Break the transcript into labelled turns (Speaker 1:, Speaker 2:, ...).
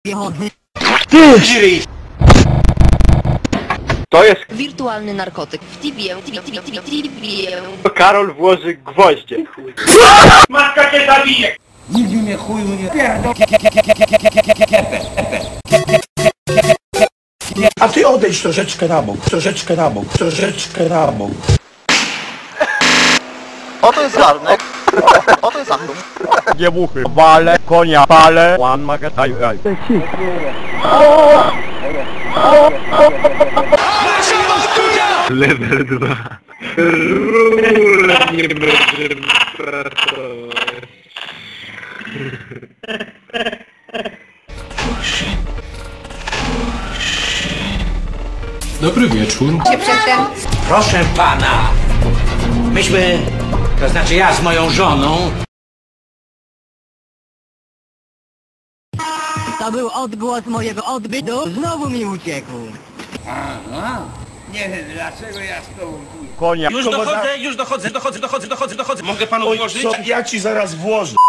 Speaker 1: Ty! To jest...
Speaker 2: Wirtualny narkotyk. W tibie.
Speaker 1: Karol włoży gwoździe. Matka cię zabije!
Speaker 3: Nigdy mnie chuju nie pierdol. A ty odejdź troszeczkę na bok, troszeczkę na bok, troszeczkę na bok.
Speaker 4: Oto jest garnek. Oto jest Andum.
Speaker 1: Dziewuchy, wale, konia, pale, łan, magataju, jaj. Level 2.
Speaker 5: Dobry wieczór.
Speaker 3: Proszę pana, myśmy, to znaczy ja z moją żoną.
Speaker 6: To był odgłos mojego odbytu. Znowu mi uciekł.
Speaker 3: Nie wiem dlaczego ja z tobą pójdę.
Speaker 1: Konia.
Speaker 7: Już dochodzę. Mogę panu włożyć?
Speaker 3: Ja ci zaraz włożę.